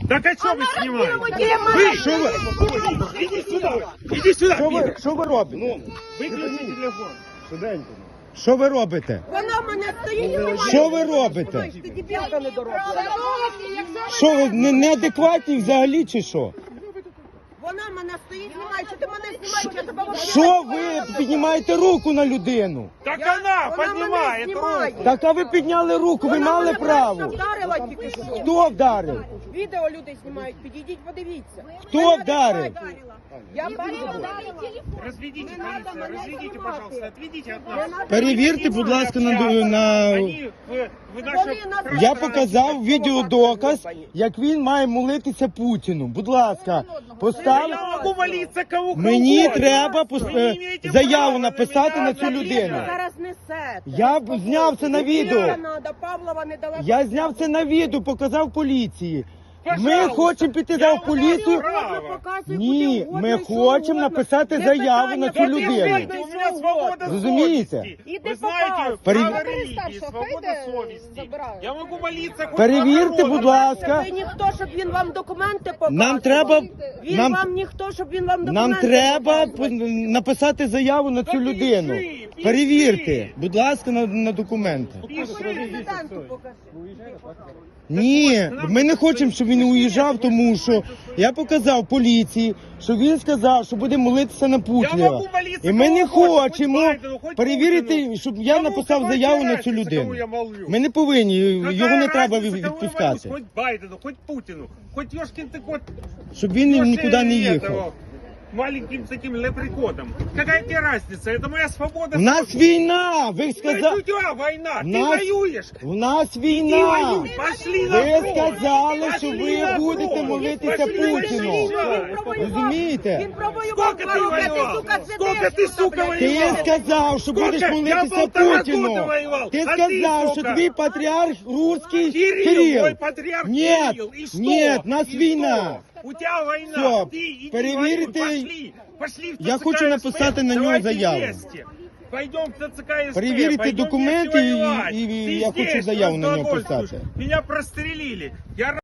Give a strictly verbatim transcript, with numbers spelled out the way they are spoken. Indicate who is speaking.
Speaker 1: Так а что вы снимаете?
Speaker 2: Вы, что вы?
Speaker 1: Иди сюда, иди сюда.
Speaker 2: Що ви, що ви робите?
Speaker 1: Ну, выключи телефон. Швиденько.
Speaker 2: Що ви робите?
Speaker 3: Вона мене стоїть.
Speaker 2: Що ви робите?
Speaker 3: Ти дебілка недоросла.
Speaker 2: Що ви не- неадекватні взагалі чи що?
Speaker 3: Вона мене стоїть, знімає. Що ти мене знімаєш? Я тебе вибираю.
Speaker 2: Що ви піднімаєте руку на людину?
Speaker 1: Так
Speaker 3: Я-
Speaker 1: она
Speaker 3: вона
Speaker 1: поднимает
Speaker 3: мене знімає.
Speaker 1: руку.
Speaker 2: Так а ви підняли руку, ви
Speaker 3: Вона
Speaker 2: мали
Speaker 3: мене
Speaker 2: право.
Speaker 3: просто вдарила тільки що.
Speaker 2: Хто вдарив?
Speaker 3: Відео люди знімають. Підійдіть, подивіться.
Speaker 2: Хто
Speaker 3: Мене
Speaker 2: вдарив?
Speaker 3: вдарила. Я бачила.
Speaker 1: Разведите,
Speaker 3: Не надо
Speaker 1: полиция,
Speaker 3: мене
Speaker 1: разведите,
Speaker 3: знімати.
Speaker 1: пожалуйста, отведите от
Speaker 3: Не
Speaker 1: нас.
Speaker 3: надо
Speaker 2: Перевірте, будь ласка, на, на...
Speaker 1: Они, вы, вы наши...
Speaker 3: Вони нас-
Speaker 2: Я показав відеодоказ, як він має молитися Путіну. Будь ласка, постав.
Speaker 1: Я могу молиться кому
Speaker 2: Мені
Speaker 1: угодно.
Speaker 2: треба
Speaker 1: Вы
Speaker 2: пос-
Speaker 1: не имеете
Speaker 2: заяву
Speaker 1: права
Speaker 2: написати
Speaker 1: меня
Speaker 2: на цю
Speaker 1: задерживать.
Speaker 2: людину.
Speaker 3: Ви зараз несете.
Speaker 2: Я б зняв це на відео.
Speaker 3: Не надо, Павлова не дала.
Speaker 2: Я зняв це на відео, показав поліції. Ми
Speaker 1: Пожалуйста.
Speaker 2: хочемо піти
Speaker 1: Я
Speaker 2: за
Speaker 1: вам
Speaker 2: поліцію.
Speaker 1: право.
Speaker 2: Ні, ми хочемо написати заяву на цю
Speaker 1: Вот
Speaker 2: людину.
Speaker 1: извините, у меня свобода
Speaker 2: Разумеете?
Speaker 1: совести.
Speaker 3: Иди
Speaker 1: Вы знаете,
Speaker 2: Пере-
Speaker 1: право религии, свобода совести. Я могу молиться хоть
Speaker 2: Перевірте,
Speaker 1: огородом.
Speaker 2: будь ласка.
Speaker 3: Ви ніхто, щоб він вам документи показував.
Speaker 2: Нам треба,
Speaker 3: Він
Speaker 2: нам,
Speaker 3: вам ніхто, щоб він вам документи
Speaker 2: нам треба
Speaker 3: показував.
Speaker 2: п- написати заяву на цю
Speaker 1: Та
Speaker 2: людину.
Speaker 1: пиши, пиши.
Speaker 2: Перевірте, будь ласка, на, на документи.
Speaker 3: Президенту покажи.
Speaker 2: Ні, ми не хочемо, щоб він уїжджав, тому що я показав поліції, що він сказав, що буде молитися на
Speaker 1: Я
Speaker 2: Путіна.
Speaker 1: могу молиться
Speaker 2: І ми не
Speaker 1: кому угодно,
Speaker 2: хочемо
Speaker 1: хоть Байдену, хоть
Speaker 2: перевірити,
Speaker 1: Путіну.
Speaker 2: щоб я
Speaker 1: Кому
Speaker 2: написав
Speaker 1: какая
Speaker 2: заяву на цю
Speaker 1: разница,
Speaker 2: людину.
Speaker 1: кому я молю?
Speaker 2: Ми не повинні,
Speaker 1: Какая
Speaker 2: його не треба
Speaker 1: разница, кому я
Speaker 2: відпускати,
Speaker 1: молюсь? Хоть Байдену, хоть Путину, хоть ёшкин ты кот.
Speaker 2: щоб він
Speaker 1: Ёшкин
Speaker 2: нікуди не
Speaker 1: этого,
Speaker 2: їхав.
Speaker 1: Маленьким таким лепреконом. Какая тебе разница? Это моя свобода.
Speaker 2: У нас війна, ви
Speaker 1: Сказа...
Speaker 2: сказали,
Speaker 1: У тебя война,
Speaker 2: У
Speaker 1: ты
Speaker 2: нас-
Speaker 1: воюешь.
Speaker 2: у нас
Speaker 1: Ты
Speaker 2: війна.
Speaker 1: воюй, пошли на
Speaker 2: Ви
Speaker 1: фронт.
Speaker 2: сказали, що
Speaker 1: Пошли
Speaker 2: ви
Speaker 1: на
Speaker 2: будете
Speaker 1: фронт.
Speaker 2: молитися
Speaker 1: Пошли,
Speaker 2: Путіну.
Speaker 1: пошли.
Speaker 2: Розумієте?
Speaker 3: Він провоював.
Speaker 1: Сколько ты воевал? Сколько ты, сука,
Speaker 2: Ти
Speaker 1: воевал?
Speaker 2: сказав, що будеш
Speaker 1: Сколько?
Speaker 2: молитися
Speaker 1: Я полтора
Speaker 2: Путіну.
Speaker 1: года воевал.
Speaker 2: Ти
Speaker 1: А
Speaker 2: сказав,
Speaker 1: ты,
Speaker 2: що
Speaker 1: сука?
Speaker 2: твій патріарх русський
Speaker 1: Кирилл,
Speaker 2: Кирил.
Speaker 1: мой патриарх
Speaker 2: Нет,
Speaker 1: Кирилл. И что?
Speaker 2: нет, нас
Speaker 1: И
Speaker 2: війна.
Speaker 1: что? У тебя война.
Speaker 2: Всё,
Speaker 1: Ты иди
Speaker 2: перевірте.
Speaker 1: воюй. Пошли. Пошли в
Speaker 2: Я
Speaker 1: ТЦК
Speaker 2: хочу
Speaker 1: СП.
Speaker 2: написати на нього
Speaker 1: Давайте
Speaker 2: заяву.
Speaker 1: вместе. Пойдем в ТЦК СП.
Speaker 2: Перевірте
Speaker 1: пойдем
Speaker 2: документи
Speaker 1: вместе
Speaker 2: і-
Speaker 1: воевать.
Speaker 2: і- і
Speaker 1: Ты
Speaker 2: я хочу
Speaker 1: здесь
Speaker 2: заяву на нього
Speaker 1: просто
Speaker 2: писати.
Speaker 1: отсутствуешь. Меня прострелили. Я